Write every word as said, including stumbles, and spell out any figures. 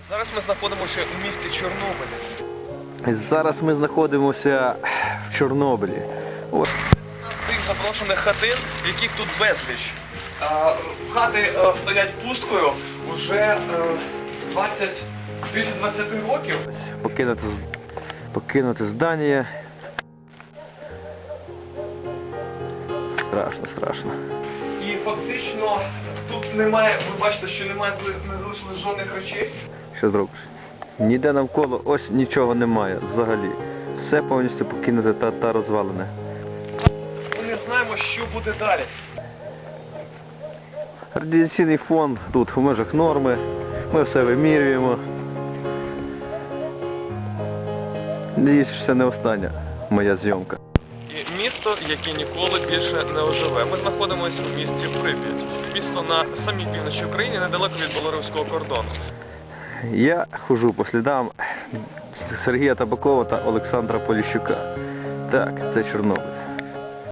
Зараз ми знаходимося у місті Чорнобилі. Зараз ми знаходимося в Чорнобилі. Ось. Тих заброшених хатин, яких тут безліч. А, хати а, стоять пусткою вже е, двадцять, більше двадцяти років. Покинути, покинути здання. Страшно, страшно. І фактично тут немає, ви бачите, що немає, не залишилось жодних речей. Що зробиш? Ніде навколо ось нічого немає взагалі. Все повністю покинуте та, та розвалене. Ми не знаємо, що буде далі. Радіаційний фон тут в межах норми. Ми все вимірюємо. Надіюсь, що це не остання моя зйомка. І місто, яке ніколи більше не оживе. Ми знаходимося в місті Прип'ять. Місто на самій півночі України, недалеко від білоруського кордону. Я хожу по слідам Сергія Табакова та Олександра Поліщука. Так, це Чорнобиль.